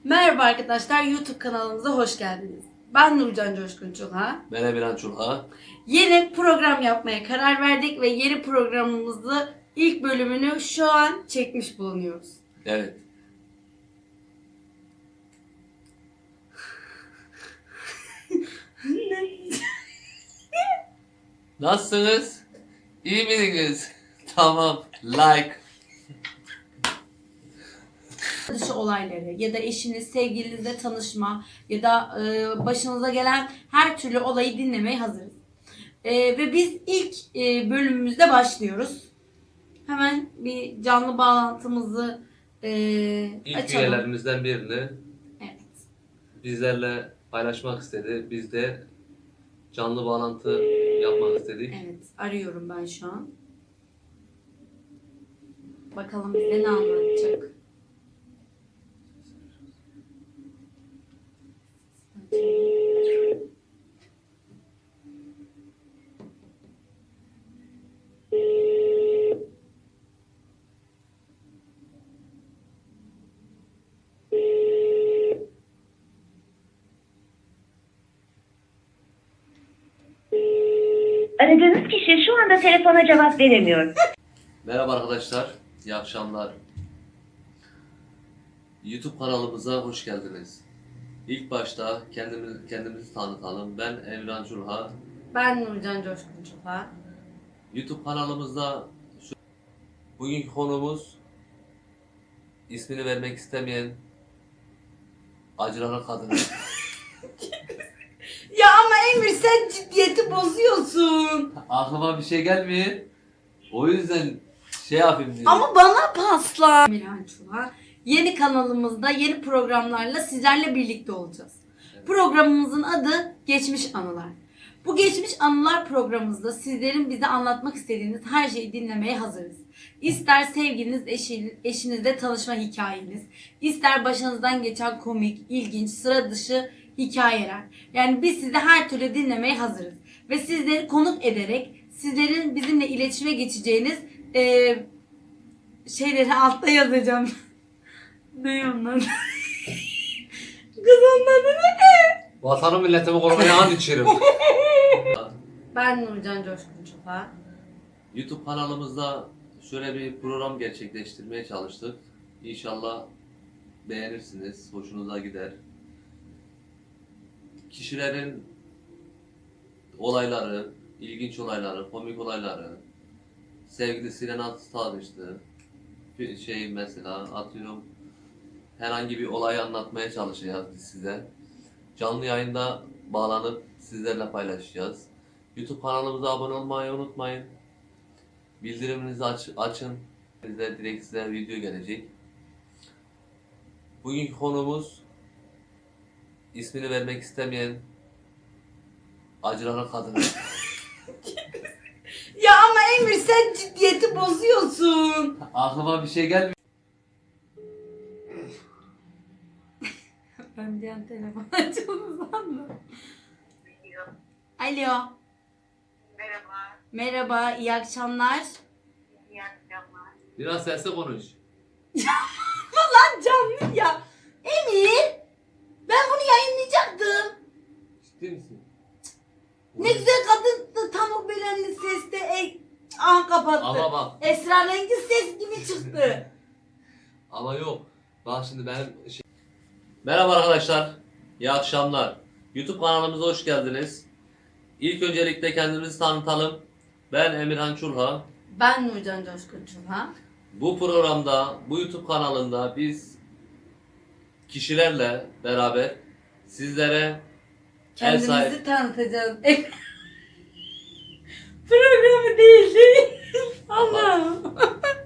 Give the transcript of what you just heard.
Merhaba arkadaşlar, YouTube kanalımıza hoş geldiniz. Ben Nurcan Coşkun Çulha. Ben Emirhan Çulha. Yeni program yapmaya karar verdik ve yeni programımızı ilk bölümünü şu an çekmiş bulunuyoruz. Evet. Nasılsınız? İyi misiniz? Tamam. Like. Dışı olayları ya da eşiniz, sevgilinizle tanışma ya da başınıza gelen her türlü olayı dinlemeye hazırız. Ve biz ilk bölümümüzde başlıyoruz. Hemen bir canlı bağlantımızı İlk açalım. üyelerimizden birini Evet. bizlerle paylaşmak istedi. Biz de canlı bağlantı yapmak istedik. Evet, arıyorum ben şu an. Bakalım bize ne anlatacak. Aradığınız kişi şu anda telefona cevap veremiyor. Merhaba arkadaşlar. İyi akşamlar. YouTube kanalımıza hoş geldiniz. İlk başta kendimizi tanıtalım. Ben Emirhan Çulha. Ben Nurcan Coşkun Çulha. YouTube kanalımızda bugünkü konumuz ismini vermek istemeyen acıların kadını. Ya ama Emir sen ciddiyeti bozuyorsun. Aklıma bir şey gelmiyor. O yüzden şey yapayım dedim. Ama bana pasla. Emirhan Çulha. Yeni kanalımızda yeni programlarla sizlerle birlikte olacağız. Evet. Programımızın adı Geçmiş Anılar. Bu Geçmiş Anılar programımızda sizlerin bize anlatmak istediğiniz her şeyi dinlemeye hazırız. İster sevgiliniz, eşinizle tanışma hikayeniz, ister başınızdan geçen komik, ilginç, sıra dışı hikayeler. Yani biz sizi her türlü dinlemeye hazırız. Ve sizleri konuk ederek sizlerin bizimle iletişime geçeceğiniz şeyleri altta yazacağım. Ne onlar? Kız onların ne? Vatanı milletimi korumaya and içerim. Ben Nurcan Coşkun Çulha. YouTube kanalımızda şöyle bir program gerçekleştirmeye çalıştık. İnşallah beğenirsiniz, hoşunuza gider. Kişilerin olayları, ilginç olayları, komik olayları, sevgilisiyle nasıl tanıştı, bir şey mesela atıyorum herhangi bir olayı anlatmaya çalışacağız biz size. Canlı yayında bağlanıp sizlerle paylaşacağız. YouTube kanalımıza abone olmayı unutmayın. Bildiriminizi açın. Size direkt size video gelecek. Bugünkü konumuz ismini vermek istemeyen acıların kadını. Ya ama Emir sen ciddiyeti bozuyorsun. Aklıma bir şey gelmiyor. Ben bir an telefon açıldı sandım. Alo. Merhaba, Merhaba, iyi akşamlar. iyi akşamlar. Biraz sesli konuş. Lan canlı ya. Emir. Ben bunu yayınlayacaktım. Ciddi misin? Ne güzel kadın da tam o belenli seste. Aha kapattı. Ama bak. Esrarengiz ses gibi çıktı. Ama yok. Bak şimdi benim şey... Merhaba arkadaşlar. İyi akşamlar. YouTube kanalımıza hoş geldiniz. İlk öncelikle kendimizi tanıtalım. Ben Emirhan Çulha. Ben Nurcan Coşkun Çulha. Bu programda, bu YouTube kanalında biz kişilerle beraber sizlere Kendimizi tanıtacağız. Programı değil. Allah'ım.